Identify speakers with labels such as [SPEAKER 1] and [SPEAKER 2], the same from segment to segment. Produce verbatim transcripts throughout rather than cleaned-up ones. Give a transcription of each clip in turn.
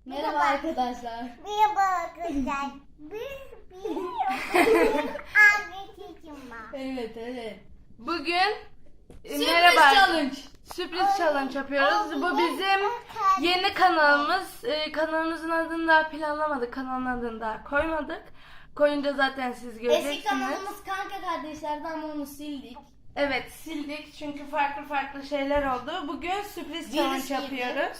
[SPEAKER 1] Merhaba arkadaşlar.
[SPEAKER 2] Merhaba arkadaşlar. Bir bir anlatacağım ben.
[SPEAKER 1] Evet evet.
[SPEAKER 3] Bugün e,
[SPEAKER 1] Sürpriz
[SPEAKER 3] merhaba.
[SPEAKER 1] challenge.
[SPEAKER 3] Sürpriz challenge yapıyoruz. Bu bizim yeni kanalımız. Ee, kanalımızın adını daha planlamadık. Kanalın adını daha koymadık. Koyunca zaten siz göreceksiniz.
[SPEAKER 1] Eski kanalımız Kanka Kardeşler'di ama onu sildik.
[SPEAKER 3] Evet, sildik çünkü farklı farklı şeyler oldu. Bugün sürpriz challenge
[SPEAKER 1] girdi.
[SPEAKER 3] yapıyoruz.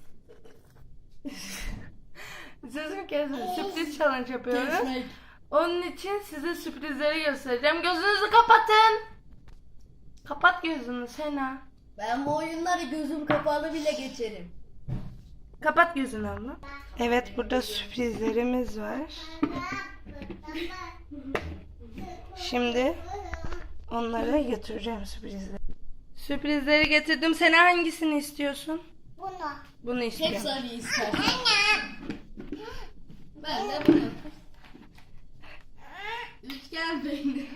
[SPEAKER 3] Sözüm kesme. Sürpriz challenge yapıyoruz.
[SPEAKER 1] Kesmek.
[SPEAKER 3] Onun için size sürprizleri göstereceğim. Gözünüzü kapatın. Kapat gözünü Sena.
[SPEAKER 1] Ben bu oyunları gözüm kapalı bile geçerim.
[SPEAKER 3] Kapat gözünü abla. Evet, burada sürprizlerimiz var. Şimdi onlara götüreceğim sürprizleri. Sürprizleri getirdim. Sen hangisini istiyorsun?
[SPEAKER 2] Bunu.
[SPEAKER 3] Bunu
[SPEAKER 1] Tek
[SPEAKER 3] istiyorum.
[SPEAKER 1] sarı ister. Ben de bunu. Üçgen peynir.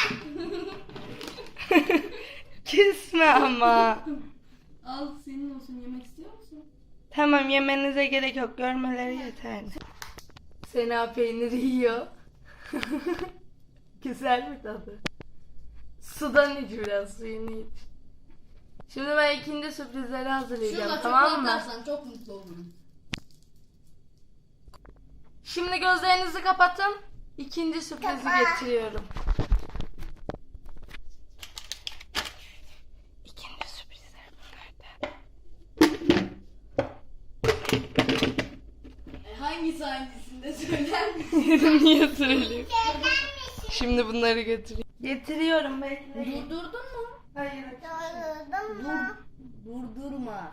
[SPEAKER 3] Küsme ama.
[SPEAKER 1] Al senin olsun, yemek istiyor musun?
[SPEAKER 3] Tamam, yemenize gerek yok. Görmeleri yeterli. Sena peyniri yiyor. Güzel mi tadı? Sudan iç biraz, suyunu iç. Şimdi ben ikinci sürprizleri hazırlayacağım,
[SPEAKER 1] Şurada
[SPEAKER 3] tamam mı?
[SPEAKER 1] atlarsan çok mutlu olurum.
[SPEAKER 3] Şimdi gözlerinizi kapatın. İkinci sürprizi
[SPEAKER 2] Tamam.
[SPEAKER 3] getiriyorum. İkinci sürprizler bunlardan.
[SPEAKER 1] E, hangisi hangisinde söyler misin?
[SPEAKER 3] Niye söyleyeyim? Şimdi bunları getireyim. Getiriyorum, bekleyin.
[SPEAKER 1] Durdurdun mu?
[SPEAKER 3] Hayır.
[SPEAKER 2] Doldurdum
[SPEAKER 1] Dur.
[SPEAKER 2] mu?
[SPEAKER 1] Durdurma.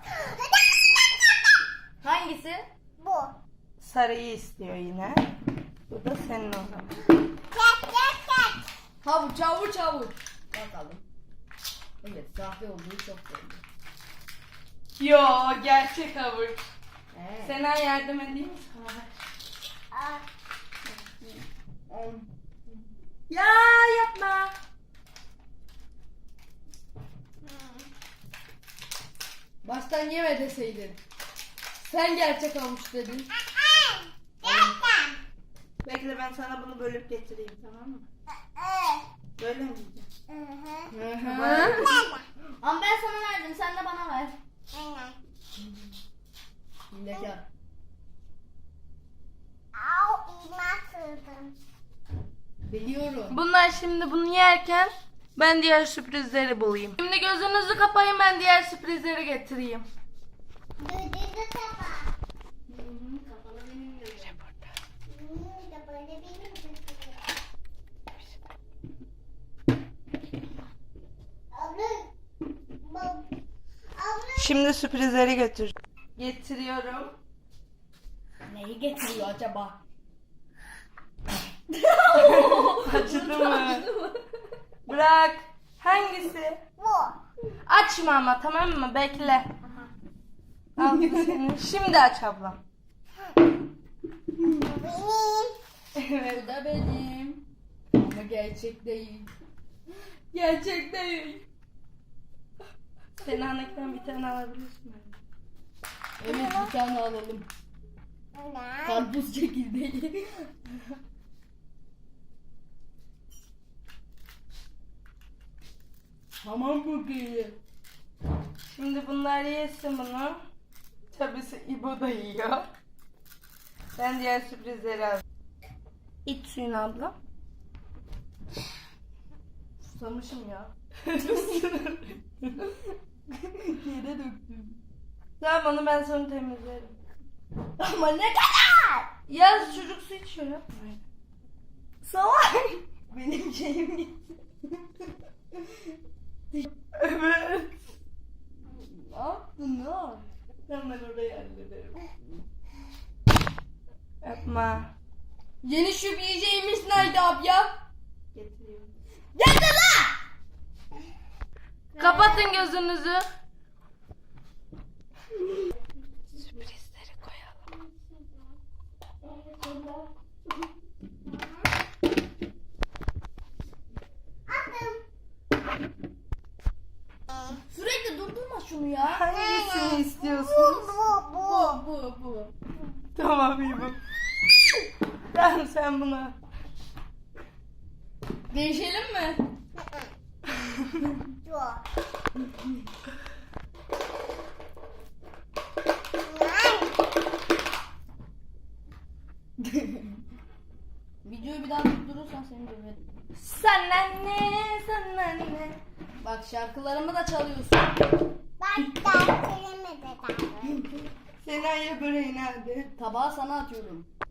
[SPEAKER 1] Hangisi?
[SPEAKER 2] Bu.
[SPEAKER 3] Sarıyı istiyor yine. Bu da senin o zaman.
[SPEAKER 2] Tek tek tek.
[SPEAKER 1] Havuç havuç havuç. Bakalım. Evet, sahte olduğu çok belli.
[SPEAKER 3] Yo, gerçek havuç.
[SPEAKER 1] He.
[SPEAKER 3] Sena yardım edeyim mi sana?
[SPEAKER 2] Aa,
[SPEAKER 1] On.
[SPEAKER 3] Ya yapma.
[SPEAKER 1] Baştan yeme deseydin. Sen gerçek havuç dedin.
[SPEAKER 2] Gerçekten.
[SPEAKER 3] Bekle, ben sana bunu bölüp getireyim, tamam mı?
[SPEAKER 2] Ee,
[SPEAKER 3] Böyle mi diyeceğim?
[SPEAKER 2] hı hı.
[SPEAKER 1] Hı hı.
[SPEAKER 3] Bana-
[SPEAKER 1] Ama ben sana verdim, sen de bana ver.
[SPEAKER 2] Aynen.
[SPEAKER 1] Hilekar.
[SPEAKER 2] Au, iğne sığdım.
[SPEAKER 1] Biliyorum.
[SPEAKER 3] Bunlar şimdi bunu yerken ben diğer sürprizleri bulayım. Şimdi gözünüzü kapayın, ben diğer sürprizleri getireyim.
[SPEAKER 2] Düdüğü kapa.
[SPEAKER 1] Kapalı benim de.
[SPEAKER 2] Hmm, da böyle benim düdüğüm. Abla. Bab. Abla.
[SPEAKER 3] Şimdi sürprizleri götür. Getiriyorum.
[SPEAKER 1] Neyi getiriyor acaba?
[SPEAKER 3] Acıdı mı? Bırak. Hangisi?
[SPEAKER 2] Bu.
[SPEAKER 3] Açma ama, tamam mı? Bekle. Al bu senin. Şimdi aç ablam.
[SPEAKER 2] Bu benim.
[SPEAKER 3] Evet.
[SPEAKER 1] Bu da benim. Ama gerçek değil. Gerçek değil.
[SPEAKER 3] Senin annekten bir tane alabilirsin.
[SPEAKER 1] Evet, bir tane alalım.
[SPEAKER 2] Ne?
[SPEAKER 1] Karpuz çekirdeği. Tamam bakayım.
[SPEAKER 3] Şimdi bunlar yesin bunu. Tabii İbo da yiyor. Ben diğer sürprizleri aldım. İç suyunu abla.
[SPEAKER 1] Susamışım ya. Yere döktüm.
[SPEAKER 3] Tamam, onu ben sonra temizlerim.
[SPEAKER 1] Ama ne kadar?
[SPEAKER 3] Ya çocuk su içiyor, yapma.
[SPEAKER 1] Salak. Benim şeyim gitti.
[SPEAKER 3] Evet.
[SPEAKER 1] Ne yaptın ne yaptın?
[SPEAKER 3] Ben ben orayı hallederim. Yapma.
[SPEAKER 1] Yeni şup yiyeceğimiz nerede abi ya?
[SPEAKER 3] Getiriyorum.
[SPEAKER 1] Getir lan!
[SPEAKER 3] Kapatın gözünüzü. Sürprizleri koyalım.
[SPEAKER 1] Sürekli durdurma şunu ya.
[SPEAKER 3] Hangisini istiyorsunuz?
[SPEAKER 2] Bu bu bu.
[SPEAKER 1] Bu bu bu.
[SPEAKER 3] Tamam iyi bak. Tamam sen buna.
[SPEAKER 1] Değişelim mi?
[SPEAKER 2] Yok.
[SPEAKER 1] Videoyu bir daha durursan seni döverim.
[SPEAKER 3] Sana ne, sana ne.
[SPEAKER 1] Bak şarkılarımı da çalıyorsun.
[SPEAKER 2] Bak derslerimi de derdim.
[SPEAKER 3] Sena'ya böreği nerede?
[SPEAKER 1] Tabağı sana atıyorum.